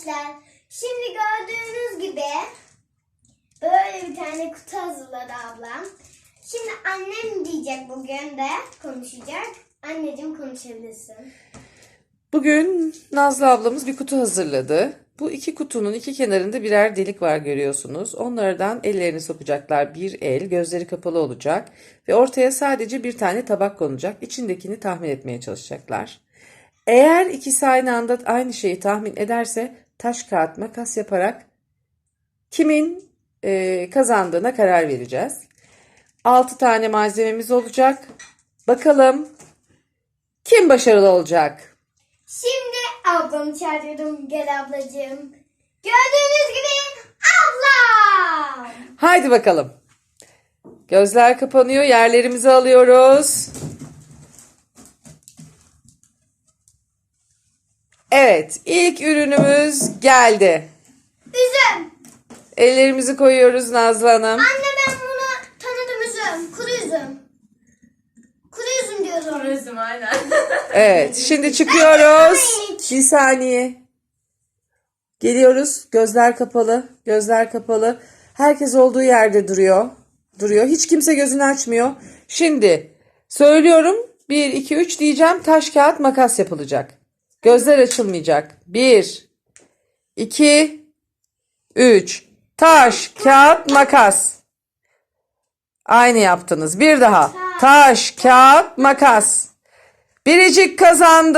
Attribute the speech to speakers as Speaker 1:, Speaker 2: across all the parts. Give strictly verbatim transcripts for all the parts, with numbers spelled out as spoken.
Speaker 1: arkadaşlar. Şimdi gördüğünüz gibi böyle bir tane kutu hazırladı ablam. Şimdi annem diyecek, bugün de konuşacak. Anneciğim, konuşabilirsin.
Speaker 2: Bugün Nazlı ablamız bir kutu hazırladı. Bu iki kutunun iki kenarında birer delik var, görüyorsunuz. Onlardan ellerini sokacaklar. Bir el, gözleri kapalı olacak. Ve ortaya sadece bir tane tabak konacak. İçindekini tahmin etmeye çalışacaklar. Eğer ikisi aynı anda aynı şeyi tahmin ederse taş kağıt makas yaparak kimin e, kazandığına karar vereceğiz. altı tane malzememiz olacak. Bakalım kim başarılı olacak?
Speaker 1: Şimdi ablamı çağırıyorum. Gel ablacığım. Gördüğünüz gibi ablam.
Speaker 2: Haydi bakalım. Gözler kapanıyor. Yerlerimizi alıyoruz. Evet, ilk ürünümüz geldi.
Speaker 1: Üzüm.
Speaker 2: Ellerimizi koyuyoruz Nazlı Hanım.
Speaker 1: Anne, ben bunu tanıdım, üzüm. Kuru üzüm. Kuru üzüm diyorum.
Speaker 3: Kuru üzüm aynen.
Speaker 2: Evet, şimdi çıkıyoruz. Bir saniye. Geliyoruz. Gözler kapalı. Gözler kapalı. Herkes olduğu yerde duruyor. Duruyor. Hiç kimse gözünü açmıyor. Şimdi söylüyorum. bir, iki, üç diyeceğim. Taş, kağıt, makas yapılacak. Gözler açılmayacak. bir, iki, üç. Taş, kağıt, makas. Aynı yaptınız. Bir daha. Taş, kağıt, makas. Biricik kazandı.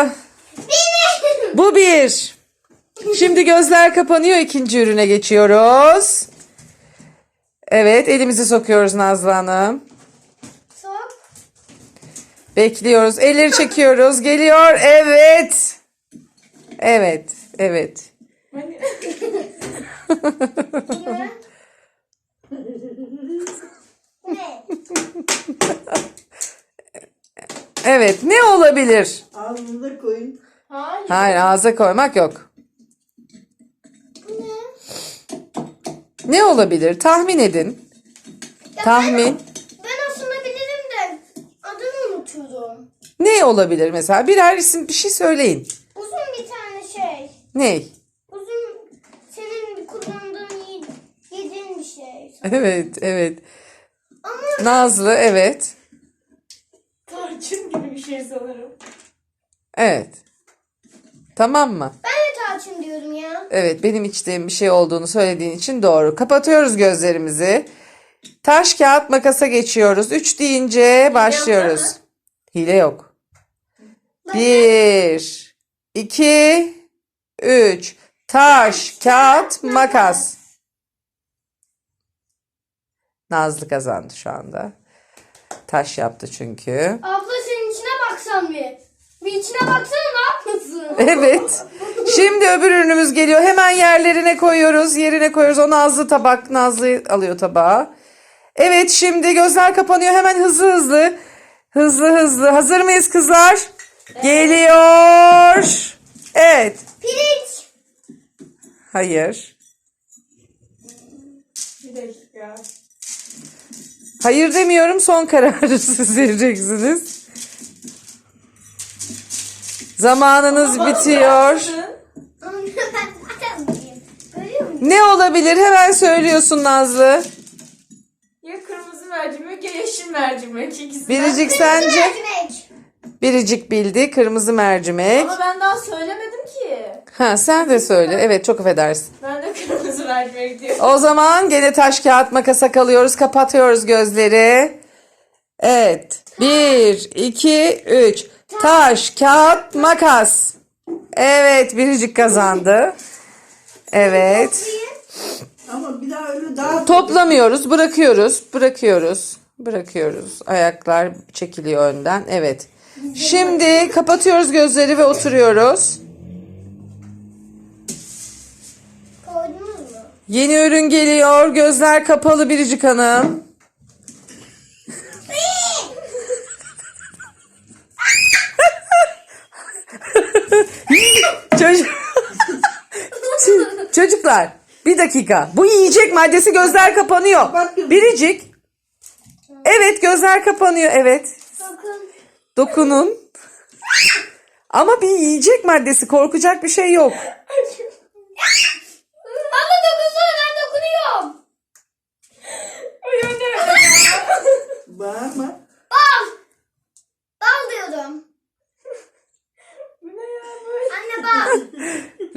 Speaker 2: Bu bir. Şimdi gözler kapanıyor. İkinci ürüne geçiyoruz. Evet, elimizi sokuyoruz Nazlı Hanım.
Speaker 1: Sok.
Speaker 2: Bekliyoruz. Elleri çekiyoruz. Geliyor. Evet. Evet. Evet.
Speaker 1: Ne?
Speaker 2: Evet. Ne olabilir?
Speaker 4: Ağzınıza koyun.
Speaker 3: Hayır.
Speaker 2: Hayır, ağza koymak yok.
Speaker 1: Bu ne?
Speaker 2: Ne olabilir? Tahmin edin. Tahmin.
Speaker 1: Ben aslında bilirim de adını unutuyorum.
Speaker 2: Ne olabilir mesela? Birer isim, bir şey söyleyin.
Speaker 1: Uzun bir tane şey.
Speaker 2: Ne?
Speaker 1: Uzun, senin kullandığın, ye- yediğin bir şey.
Speaker 2: Evet, evet.
Speaker 1: Ama
Speaker 2: Nazlı, evet.
Speaker 3: Tarçın gibi bir şey sanırım.
Speaker 2: Evet. Tamam mı?
Speaker 1: ben de tarçın diyorum ya.
Speaker 2: Evet, benim içtiğim bir şey olduğunu söylediğin için doğru. Kapatıyoruz gözlerimizi. Taş, kağıt, makasa geçiyoruz. Üç deyince başlıyoruz.
Speaker 3: mı?
Speaker 2: Hile yok. Bir, iki, üç. Taş, kağıt, makas. Nazlı kazandı şu anda. Taş yaptı çünkü.
Speaker 1: Abla, senin içine baksan bir. Bir içine baksana, ne yapmasın?
Speaker 2: Evet. Şimdi öbür ürünümüz geliyor. Hemen yerlerine koyuyoruz. Yerine koyuyoruz. O Nazlı tabak. Nazlı alıyor tabağı. Evet, şimdi gözler kapanıyor. Hemen hızlı hızlı. Hızlı hızlı. Hazır mıyız kızlar? Geliyor. Evet.
Speaker 1: Pirinç.
Speaker 2: Hayır.
Speaker 3: Bir dakika.
Speaker 2: Hayır demiyorum. Son kararı siz vereceksiniz. Zamanınız bitiyor.
Speaker 1: Anne, ben zaten bileyim. Görüyor musun?
Speaker 2: Ne olabilir? Hemen söylüyorsun Nazlı.
Speaker 3: Ya kırmızı mercimek ya yeşil mercimek. İkisinden.
Speaker 2: Biricik sence?
Speaker 1: Mercimek.
Speaker 2: Biricik bildi. Kırmızı mercimek.
Speaker 3: Ama ben daha söylemedim ki.
Speaker 2: Ha, sen de söyle. Evet, çok affedersin.
Speaker 3: Ben de kırmızı mercimek diyorum.
Speaker 2: O zaman gene taş kağıt makasa kalıyoruz. Kapatıyoruz gözleri. Evet. Bir, iki, üç. Taş, kağıt, makas. Evet, Biricik kazandı. Evet.
Speaker 4: Ama bir daha öyle daha
Speaker 2: Toplamıyoruz, bırakıyoruz, bırakıyoruz, bırakıyoruz. Ayaklar çekiliyor önden. Evet. Şimdi kapatıyoruz gözleri ve oturuyoruz.
Speaker 1: Koydunuz mu?
Speaker 2: Yeni ürün geliyor. Gözler kapalı Biricik Hanım. Çocuk... Çocuklar, bir dakika. Bu yiyecek maddesi, gözler kapanıyor. Biricik. Evet, gözler kapanıyor. Evet.
Speaker 1: Bakın.
Speaker 2: Dokunun. Ama bir yiyecek maddesi, korkacak bir şey yok.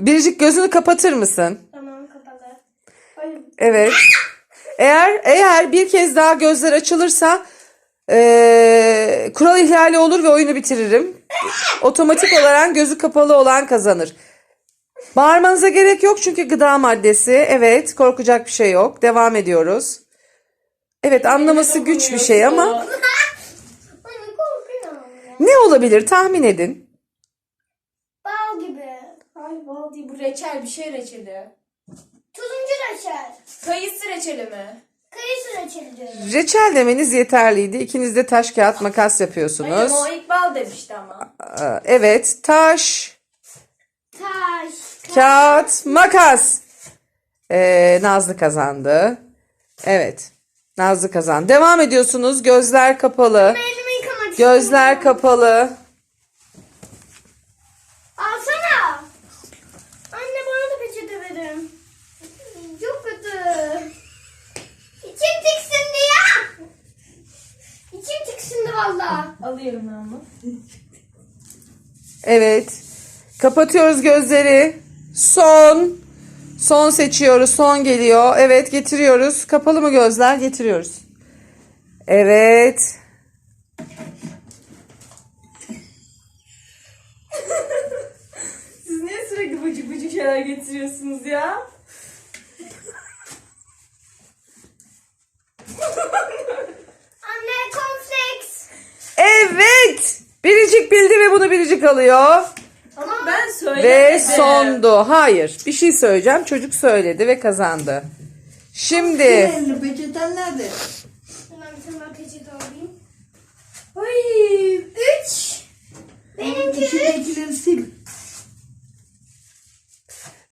Speaker 2: Biricik gözünü kapatır mısın?
Speaker 1: Tamam kapalı. Ay,
Speaker 2: Evet. Eğer eğer bir kez daha gözler açılırsa eee, kural ihlali olur ve oyunu bitiririm. Otomatik olarak gözü kapalı olan kazanır. Bağırmanıza gerek yok çünkü gıda maddesi. Evet, korkacak bir şey yok. Devam ediyoruz. Evet, anlaması güç bir şey ama
Speaker 1: Anne korkuyorum.
Speaker 2: ne olabilir tahmin edin.
Speaker 1: Bal gibi.
Speaker 3: Ay bal değil, bu reçel, bir şey reçeli.
Speaker 1: Turuncu reçel.
Speaker 3: Kayısı reçeli mi?
Speaker 1: Kayısı reçeli diyorum.
Speaker 2: Reçel demeniz yeterliydi. İkiniz de taş kağıt makas
Speaker 3: Hayır
Speaker 2: yapıyorsunuz.
Speaker 3: ama o ilk bal demişti ama.
Speaker 2: Aa, Evet, taş,
Speaker 1: Taş.
Speaker 2: kağıt, makas. Ee, Nazlı kazandı. Evet, Nazlı kazandı. Devam ediyorsunuz. Gözler kapalı.
Speaker 1: Elimi yıkamak
Speaker 2: Gözler
Speaker 1: istiyorum.
Speaker 2: kapalı.
Speaker 1: Alsana. Anne bana da peçete verin. Çok kötü. İçim tiksindi ya. İçim tiksindi valla.
Speaker 3: Alıyorum ben bunu.
Speaker 2: Evet. Kapatıyoruz gözleri. Son. Son seçiyoruz. Son geliyor. Evet, getiriyoruz. Kapalı mı gözler? Getiriyoruz. Evet.
Speaker 3: Siz niye sürekli bıcık bıcık şeyler getiriyorsunuz ya?
Speaker 1: Anne kompleks.
Speaker 2: Evet. Biricik bildi ve bunu Biricik alıyor.
Speaker 3: Ama ben söylemedim.
Speaker 2: Ve sondu. Hayır. Bir şey söyleyeceğim. Çocuk söyledi ve kazandı. Şimdi
Speaker 4: Elini peçeten nerede?
Speaker 1: Hemen bir tane daha peçete alayım.
Speaker 3: Ay.
Speaker 1: Üç. Benimki üç.
Speaker 4: İçindekileri sil.